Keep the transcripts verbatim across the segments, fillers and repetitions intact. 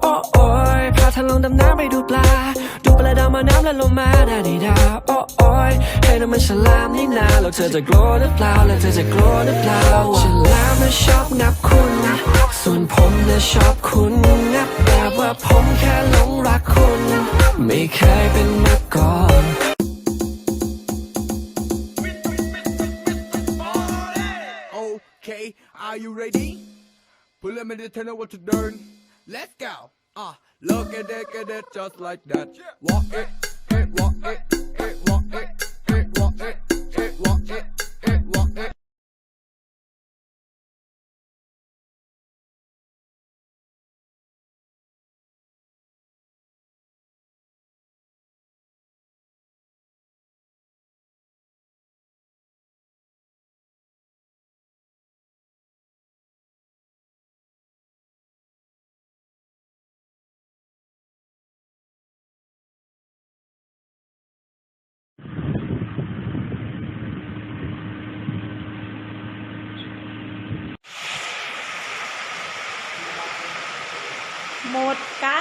โอ้โอ้ยพาเธอลงดำน้ำไปดูปลาดูปลาดาวมาน้ำและลงมาดาดีดาโอ้โอ้ยให้น้ำมันฉลามนี่นาแล้วเธอจะกลัวหรือเปล่าแล้วเธอจะกลัวหรือเปล่าฉลามน่ะชอบงับคุณส่วนผมน่ะชอบคุณงับแบบว่าผมแค่หลงรักคุณไม่เคยเป็นมาก่อน Okay, are you ready? Pull them in the tunnel what to learn. Let's go. Ah, uh, look at it, get it just like that. Walk it, it, walk it, it, walk it, it, walk it, it, walk it, it, walk it. หมดกัน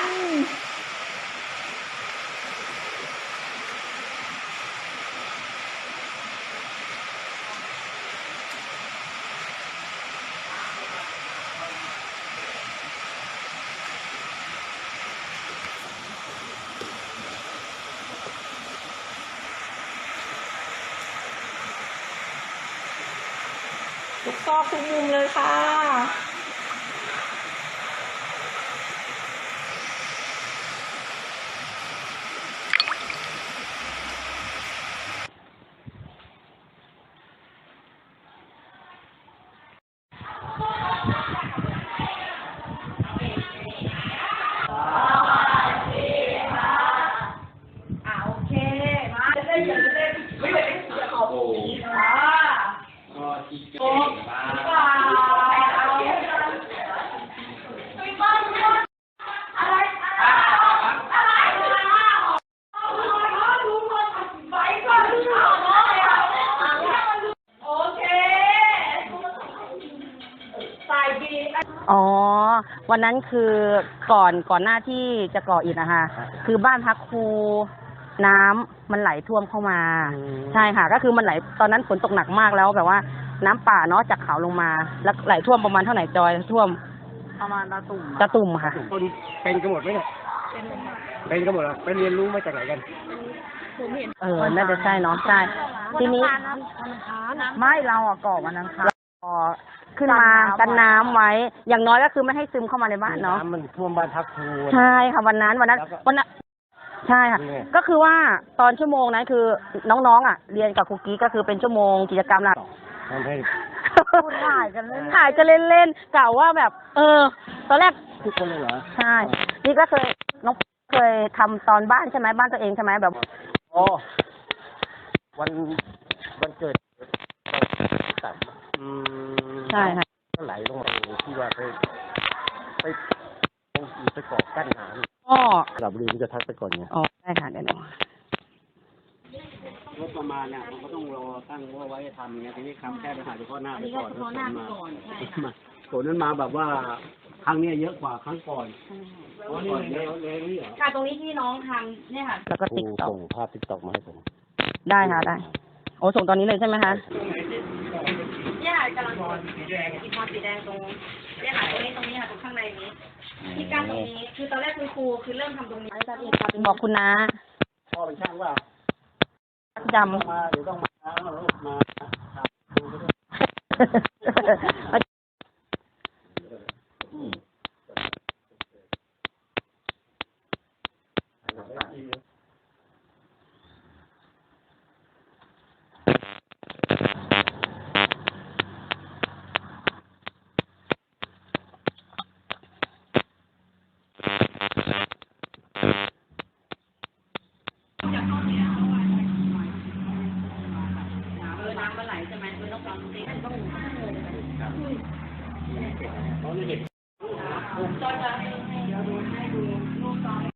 ทุกซอกทุกมุมเลยค่ะอ๋อวันนั้นคือก่อนก่อนหน้าที่จะก่ออิฐนะคะคือบ้านพักครูน้ำมันไหลท่วมเข้ามาใช่ค่ะก็คือมันไหลตอนนั้นฝนตกหนักมากแล้วแบบว่าน้ำป่าเนาะจากเขาลงมาแล้วไหลท่วมประมาณเท่าไหร่จอยท่วมประมาณตะตุ่มตะตุ่มค่ะคนเป็นกันหมดไหมเนี่ยเป็นกันหมดเหรอไปเรียนรู้มาจากไหนกันเออน่าจะใช่เนาะใช่ทีนี้ไม่เราอ่ะก่อวันนั้นค่ะก่อขึ้นมากันน้ำไว้อย่างน้อยก็คือไม่ให้ซึมเข้ามาในบ้านเนาะน้ำมันท่วมบ้านพักครูใช่ค่ะวันนั้นวันนั้นวันนั้นใช่ค่ะก็คือว่าตอนชั่วโมงนั้นคือน้องๆอ่ะเรียนกับครูกี้ก็คือเป็นชั่วโมงกิจกรรมหลักถ่ายกันเล่นถ่ายกันเล่นๆกล่าวว่าแบบ เออตอนแรกทุกคนเลยเหรอใช่นี่ก็เคยน้องเคยทำตอนบ้านใช่ไหมบ้านตัวเองใช่ไหมแบบอ๋อวันวันเกิดต่ำอืมใช่ค่ะก็ไหลลงมาที่ว่าไปไปตรงอีไปเกาะกั้นน้ำอ๋อหลับรีมันจะทักไปก่อนไงอ๋อได้ค่ะเดี๋ยวงบประมาณเนี่ยมันก็ต้องรอตั้งว่าไว้ทำไงทีนี้คำแค่ไปหาเฉพาะหน้าไปก่อนแล้วมาฝนนั้นมาแบบว่าครั้งนี้เยอะกว่าครั้งก่อนอ๋อนี่เลยเลยนี่เหรอค่ะตรงนี้ที่น้องทำเนี่ยค่ะแล้วก็ติ๊กต็อกส่งภาพติ๊กต็อกมาให้ผมได้ค่ะได้โอ้ส่งตอนนี้เลยใช่ไหมคะเนี่ยค่ะกำลังสีแดงสีพอสีแดงตรงเนี่ยค่ะตรงนี้ตรงนี้ค่ะตรงข้างในนี้ที่กั้นตรงนี้คือตอนแรกคุณครูคือเริ่มทำตรงนี้บอกคุณนะพ่อเป็นช่างว่าจำมาเดี๋ยวต้องมามามา